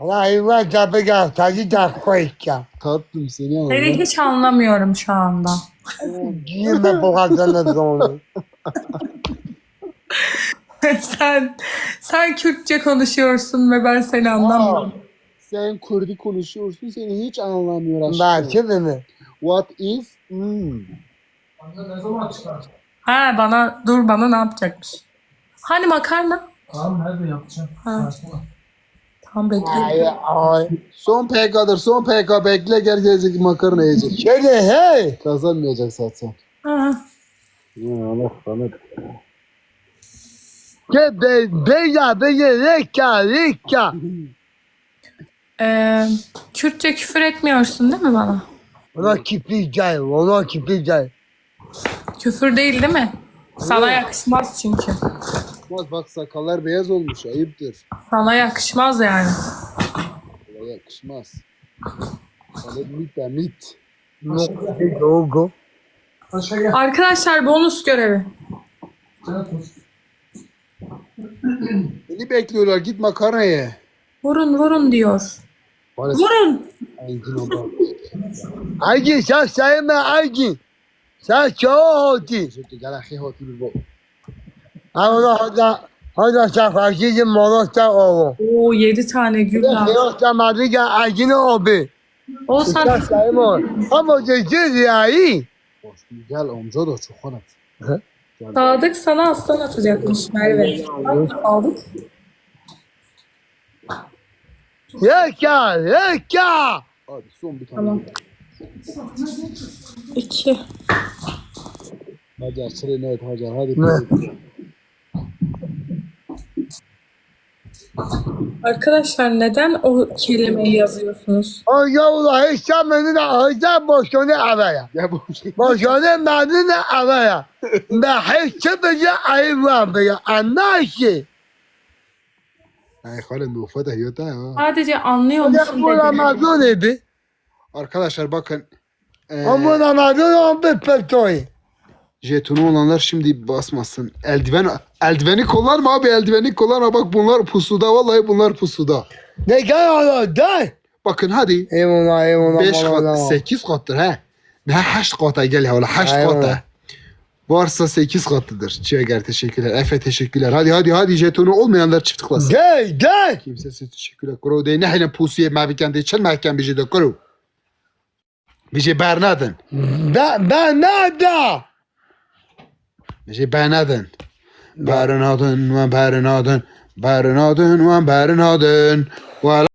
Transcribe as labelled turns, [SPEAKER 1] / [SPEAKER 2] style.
[SPEAKER 1] Hayvan tabi gel tadı da koyacağım.
[SPEAKER 2] Tatlım seni
[SPEAKER 3] Seni
[SPEAKER 2] anladım.
[SPEAKER 3] hiç anlamıyorum şu anda.
[SPEAKER 1] Giyme boğazını sonra.
[SPEAKER 3] Sen Kürtçe konuşuyorsun ve ben seni anlamıyorum.
[SPEAKER 2] Sen Kürdi konuşuyorsun, seni hiç anlamıyor aşkım.
[SPEAKER 1] Ben şimdi mi?
[SPEAKER 2] What is?
[SPEAKER 4] Anne ne zaman çıkar?
[SPEAKER 3] Ha bana ne yapacakmış? Hani makarna?
[SPEAKER 4] Tamam nerede yapacağım?
[SPEAKER 3] Ha.
[SPEAKER 4] Saçma.
[SPEAKER 3] Tamam bekle.
[SPEAKER 1] Ay ay.
[SPEAKER 2] Son PK'dır, son PK. Bekle, gel gelecek makarna yiyecek.
[SPEAKER 1] Şöyle hey.
[SPEAKER 2] Kazanmayacak zaten.
[SPEAKER 3] Ha.
[SPEAKER 2] Ya Allah bana.
[SPEAKER 1] Ke be reka.
[SPEAKER 3] Kürtçe küfür etmiyorsun değil mi bana?
[SPEAKER 1] Ona kipleyeceğim, ona kipleyeceğim.
[SPEAKER 3] Küfür değil değil mi? Sana yakışmaz çünkü.
[SPEAKER 2] Bak sakallar beyaz olmuş, ayıptır.
[SPEAKER 3] Sana yakışmaz yani.
[SPEAKER 2] Bana yakışmaz. Sana mit.
[SPEAKER 1] Doğru.
[SPEAKER 4] Paşa gel.
[SPEAKER 3] Arkadaşlar bonus görevi.
[SPEAKER 4] Sen koş.
[SPEAKER 2] Beni bekliyorlar, git makarna ye.
[SPEAKER 3] Vurun diyor.
[SPEAKER 2] Maalesef.
[SPEAKER 3] Vurun.
[SPEAKER 2] Engin oldu.
[SPEAKER 1] Aygi sen sayma Aygi. Sen çok hoti.
[SPEAKER 2] Teşekkür gel ahi hoti bir bu.
[SPEAKER 1] Hada sen fakirsin monosta oğlu.
[SPEAKER 3] Oo 7 tane gül lazım.
[SPEAKER 1] Monosta madriga Aygi'nin obi.
[SPEAKER 3] O
[SPEAKER 1] Sen
[SPEAKER 3] sen
[SPEAKER 1] sayma. Ama cezir ya iyi.
[SPEAKER 2] Hoş gel amca da çok hanat.
[SPEAKER 3] Sadık sana aslan atacakmış Merve. Sadık.
[SPEAKER 1] Yeka.
[SPEAKER 2] Hadi son bir tane.
[SPEAKER 3] Tamam. 2.
[SPEAKER 2] Hacer çile net Hacer hadi.
[SPEAKER 1] Ne?
[SPEAKER 3] Arkadaşlar neden o kelimeyi yazıyorsunuz?
[SPEAKER 1] O yavla hiç beni de ağızdan boşunu araya.
[SPEAKER 2] Ya bu şey.
[SPEAKER 1] Boşunu beni de araya. Ben hiç bizi ayırmam. Anlarsın.
[SPEAKER 2] Ay halen bu fada yota ya.
[SPEAKER 3] Sadece anlıyor
[SPEAKER 1] Ya
[SPEAKER 3] musun
[SPEAKER 1] bu
[SPEAKER 3] dedi.
[SPEAKER 1] Ramazan ebi.
[SPEAKER 2] Arkadaşlar bakın.
[SPEAKER 1] Ama Ramazan on bir petoy.
[SPEAKER 2] Jetonu olanlar şimdi basmasın. Eldiveni kullanma abi, eldiveni kullanma. Bak bunlar pusuda, vallahi bunlar pusuda.
[SPEAKER 1] Ne kadar da?
[SPEAKER 2] Bakın hadi.
[SPEAKER 1] Eyvallah
[SPEAKER 2] 5 kat, 8 kattır he. Ne 8 kata gel ya, 8
[SPEAKER 1] Eyvallah.
[SPEAKER 2] kata. Varsa 8 katıdır. Çiğer teşekkürler. Efe teşekkürler. Hadi jetonu olmayanlar çift tıklasın.
[SPEAKER 1] Gel.
[SPEAKER 2] Kimsesiz teşekkürler. Kuru değil. Ne hele pusuya maviken de çel mahkem bir de kuru. Bir bernadın.
[SPEAKER 1] Ben nerede?
[SPEAKER 2] Bir bernadın. Bernadın. Bernadın.